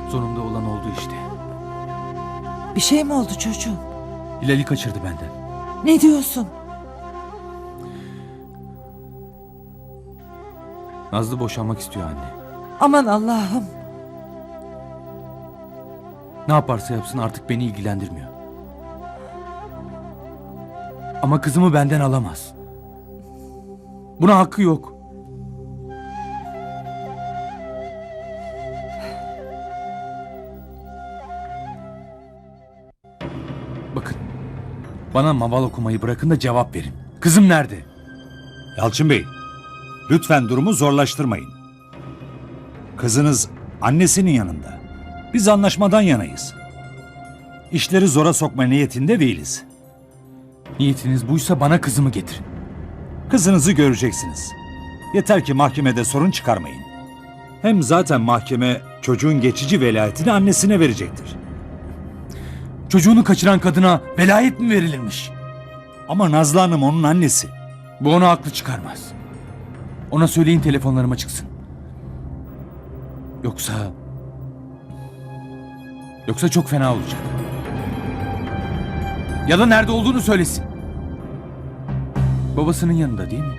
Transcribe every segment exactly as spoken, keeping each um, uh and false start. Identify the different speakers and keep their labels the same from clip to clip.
Speaker 1: Sonunda olan oldu işte.
Speaker 2: Bir şey mi oldu çocuğum?
Speaker 1: Hilal'i kaçırdı benden.
Speaker 2: Ne diyorsun?
Speaker 1: Nazlı boşanmak istiyor anne.
Speaker 2: Aman Allah'ım.
Speaker 1: Ne yaparsa yapsın artık beni ilgilendirmiyor. Ama kızımı benden alamaz. Buna hakkı yok. Bakın, bana maval okumayı bırakın da cevap verin. Kızım nerede?
Speaker 3: Yalçın Bey, lütfen durumu zorlaştırmayın. Kızınız annesinin yanında. Biz anlaşmadan yanayız. İşleri zora sokma niyetinde değiliz.
Speaker 1: Niyetiniz buysa bana kızımı getirin.
Speaker 3: Kızınızı göreceksiniz. Yeter ki mahkemede sorun çıkarmayın. Hem zaten mahkeme çocuğun geçici velayetini annesine verecektir.
Speaker 1: Çocuğunu kaçıran kadına velayet mi verilirmiş?
Speaker 3: Ama Nazlı Hanım onun annesi.
Speaker 1: Bu ona haklı çıkarmaz. Ona söyleyin telefonlarıma çıksın. Yoksa... Yoksa çok fena olacak. Ya da nerede olduğunu söylesin. Babasının yanında değil mi?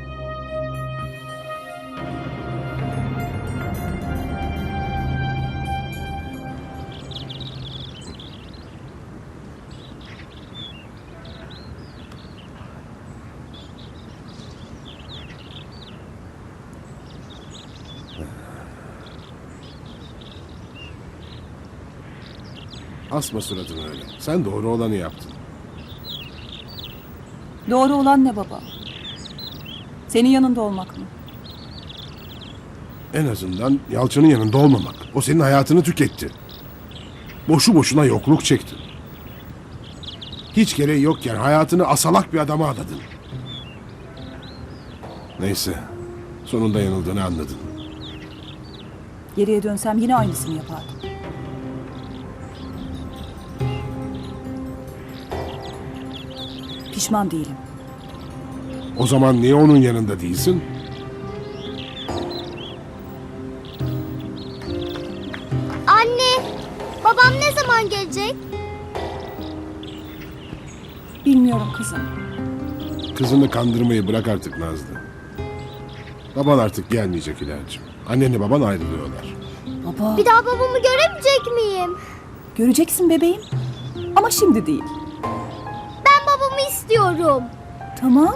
Speaker 4: Asma suratını öyle. Sen doğru olanı yaptın.
Speaker 5: Doğru olan ne baba? Senin yanında olmak mı?
Speaker 4: En azından Yalçın'ın yanında olmamak. O senin hayatını tüketti. Boşu boşuna yokluk çektin. Hiç gereği yokken hayatını asalak bir adama adadın. Neyse. Sonunda yanıldığını anladın.
Speaker 5: Geriye dönsem yine aynısını yapardım. Pişman değilim.
Speaker 4: O zaman niye onun yanında değilsin?
Speaker 6: Anne, babam ne zaman gelecek?
Speaker 5: Bilmiyorum kızım.
Speaker 4: Kızını kandırmayı bırak artık Nazlı. Baban artık gelmeyecek İlacığım. Annenle baban ayrılıyorlar.
Speaker 5: Baba.
Speaker 6: Bir daha babamı göremeyecek miyim?
Speaker 5: Göreceksin bebeğim. Ama şimdi değil.
Speaker 6: Ben babamı istiyorum.
Speaker 5: Tamam.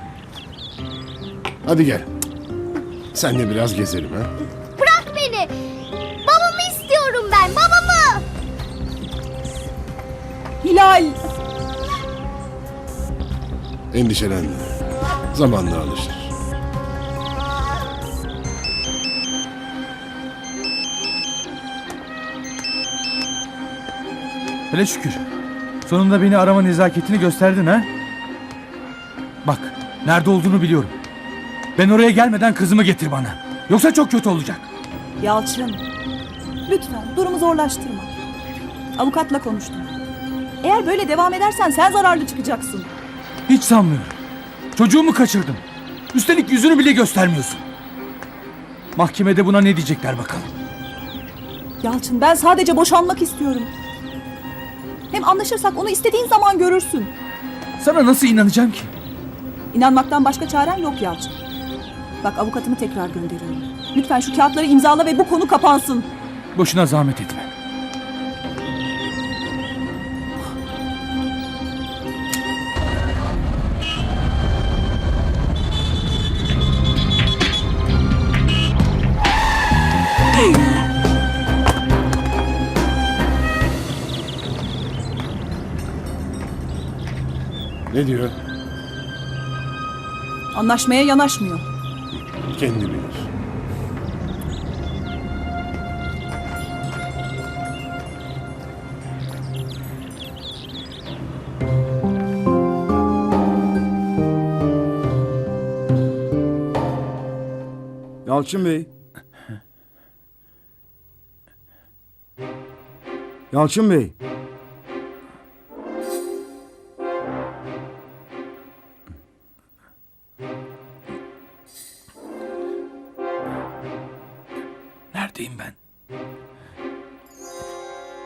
Speaker 4: Hadi gel. Senle biraz gezelim ha.
Speaker 6: Bırak beni. Babamı istiyorum ben, babamı.
Speaker 5: Hilal.
Speaker 4: Endişelenme. Zamanla alışır.
Speaker 1: Hele şükür. Sonunda beni arama nezaketini gösterdin ha? Bak, nerede olduğunu biliyorum. Ben oraya gelmeden kızımı getir bana. Yoksa çok kötü olacak.
Speaker 5: Yalçın. Lütfen durumu zorlaştırma. Avukatla konuştum. Eğer böyle devam edersen sen zararlı çıkacaksın.
Speaker 1: Hiç sanmıyorum. Çocuğumu kaçırdım. Üstelik yüzünü bile göstermiyorsun. Mahkemede buna ne diyecekler bakalım.
Speaker 5: Yalçın, ben sadece boşanmak istiyorum. Hem anlaşırsak onu istediğin zaman görürsün.
Speaker 1: Sana nasıl inanacağım ki?
Speaker 5: İnanmaktan başka çaren yok Yalçın. Bak, avukatımı tekrar gönderiyorum. Lütfen şu kağıtları imzala ve bu konu kapansın.
Speaker 1: Boşuna zahmet etme.
Speaker 4: Ne diyor?
Speaker 5: Anlaşmaya yanaşmıyor.
Speaker 4: Kendi bilir.
Speaker 7: Yalçın Bey. Yalçın Bey.
Speaker 1: Neredeyim ben?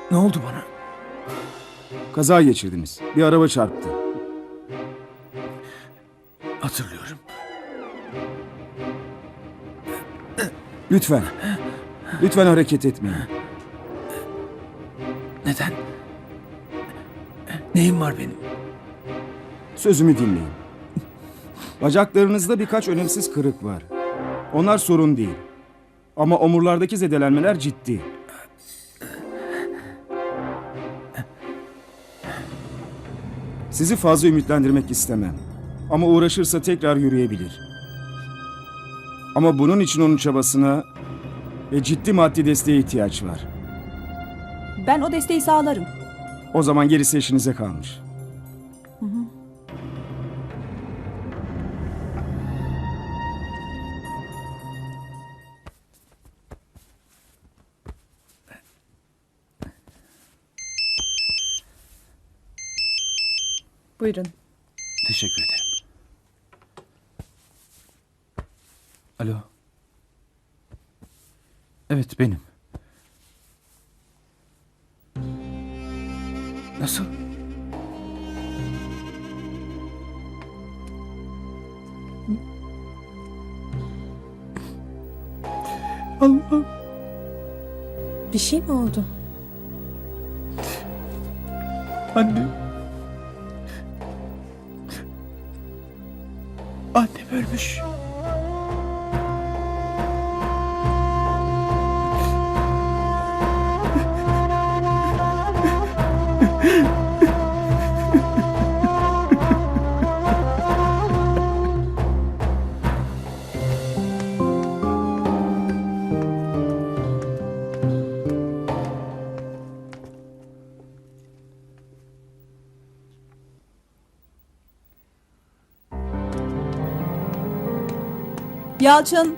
Speaker 1: Ne oldu bana?
Speaker 7: Kaza geçirdiniz. Bir araba çarptı.
Speaker 1: Hatırlıyorum.
Speaker 7: Lütfen. Lütfen hareket etmeyin.
Speaker 1: Neden? Neyim var benim?
Speaker 7: Sözümü dinleyin. Bacaklarınızda birkaç önemsiz kırık var. Onlar sorun değil. Ama omurlardaki zedelenmeler ciddi. Sizi fazla ümitlendirmek istemem. Ama uğraşırsa tekrar yürüyebilir. Ama bunun için onun çabasına ve ciddi maddi desteğe ihtiyaç var.
Speaker 5: Ben o desteği sağlarım.
Speaker 7: O zaman gerisi işinize kalmış.
Speaker 5: Buyurun.
Speaker 1: Teşekkür ederim. Alo. Evet, benim. Nasıl? Allah'ım.
Speaker 2: Bir şey mi oldu?
Speaker 1: Anne. Annem ölmüş.
Speaker 5: Yalçın.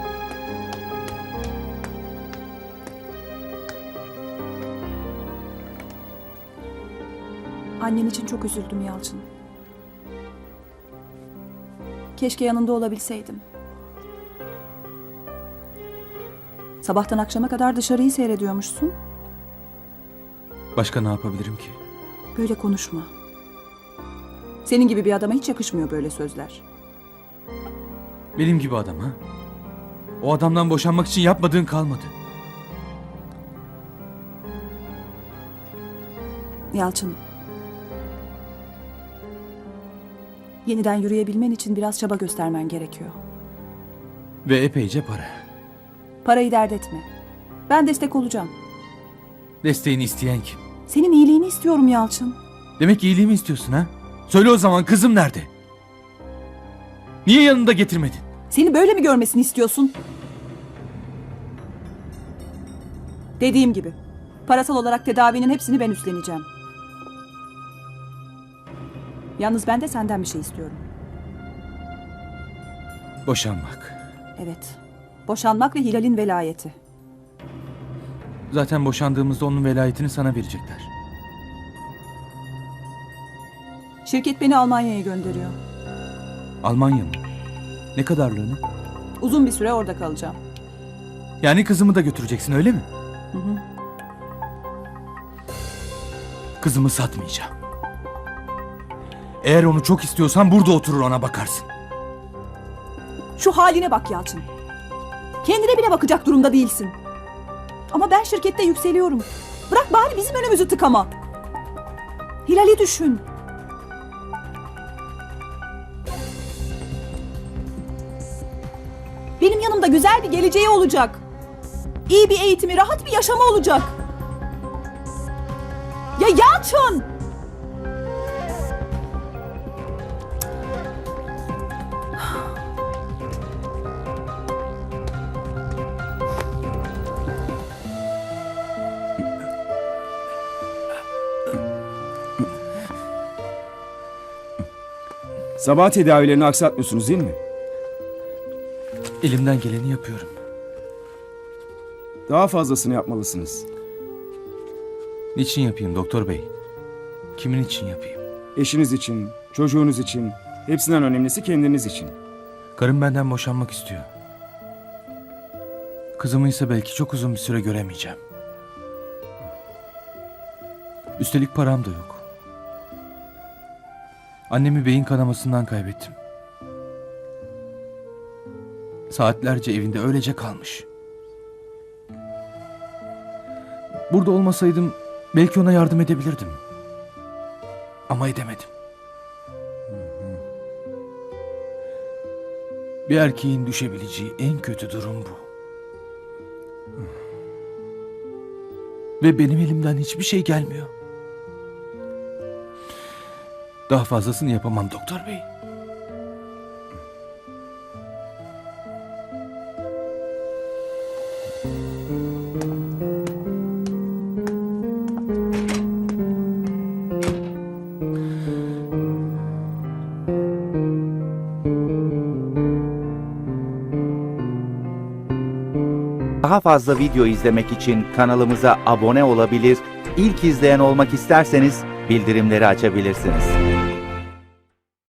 Speaker 5: Annen için çok üzüldüm Yalçın. Keşke yanında olabilseydim. Sabahtan akşama kadar dışarıyı seyrediyormuşsun.
Speaker 1: Başka ne yapabilirim ki?
Speaker 5: Böyle konuşma. Senin gibi bir adama hiç yakışmıyor böyle sözler.
Speaker 1: Benim gibi adam ha? O adamdan boşanmak için yapmadığın kalmadı.
Speaker 5: Yalçın. Yeniden yürüyebilmen için biraz çaba göstermen gerekiyor.
Speaker 1: Ve epeyce para.
Speaker 5: Parayı dert etme. Ben destek olacağım.
Speaker 1: Desteğini isteyen kim?
Speaker 5: Senin iyiliğini istiyorum Yalçın.
Speaker 1: Demek iyiliğimi istiyorsun ha? Söyle o zaman, kızım nerede? Niye yanında getirmedin?
Speaker 5: Seni böyle mi görmesini istiyorsun? Dediğim gibi, parasal olarak tedavinin hepsini ben üstleneceğim. Yalnız ben de senden bir şey istiyorum.
Speaker 1: Boşanmak.
Speaker 5: Evet, boşanmak ve Hilal'in velayeti.
Speaker 1: Zaten boşandığımızda onun velayetini sana verecekler.
Speaker 5: Şirket beni Almanya'ya gönderiyor.
Speaker 1: Almanya mı? Ne kadarlığını?
Speaker 5: Uzun bir süre orada kalacağım.
Speaker 1: Yani kızımı da götüreceksin, öyle mi?
Speaker 5: Hı hı.
Speaker 1: Kızımı satmayacağım. Eğer onu çok istiyorsan burada oturur ona bakarsın.
Speaker 5: Şu haline bak Yalçın. Kendine bile bakacak durumda değilsin. Ama ben şirkette yükseliyorum. Bırak bari bizim önümüzü tıkama. Hilal'i düşün. Benim yanımda güzel bir geleceği olacak. İyi bir eğitimi, rahat bir yaşamı olacak. Ya Yalçın!
Speaker 7: Sabah tedavilerini aksatmıyorsunuz değil mi?
Speaker 1: Elimden geleni yapıyorum.
Speaker 7: Daha fazlasını yapmalısınız.
Speaker 1: Niçin yapayım doktor bey? Kimin için yapayım?
Speaker 7: Eşiniz için, çocuğunuz için, hepsinden önemlisi kendiniz için.
Speaker 1: Karım benden boşanmak istiyor. Kızımı ise belki çok uzun bir süre göremeyeceğim. Üstelik param da yok. Annemi beyin kanamasından kaybettim. Saatlerce evinde öylece kalmış. Burada olmasaydım belki ona yardım edebilirdim. Ama edemedim. Bir erkeğin düşebileceği en kötü durum bu. Ve benim elimden hiçbir şey gelmiyor. Daha fazlasını yapamam doktor bey.
Speaker 8: Daha fazla video izlemek için kanalımıza abone olabilir, ilk izleyen olmak isterseniz bildirimleri açabilirsiniz.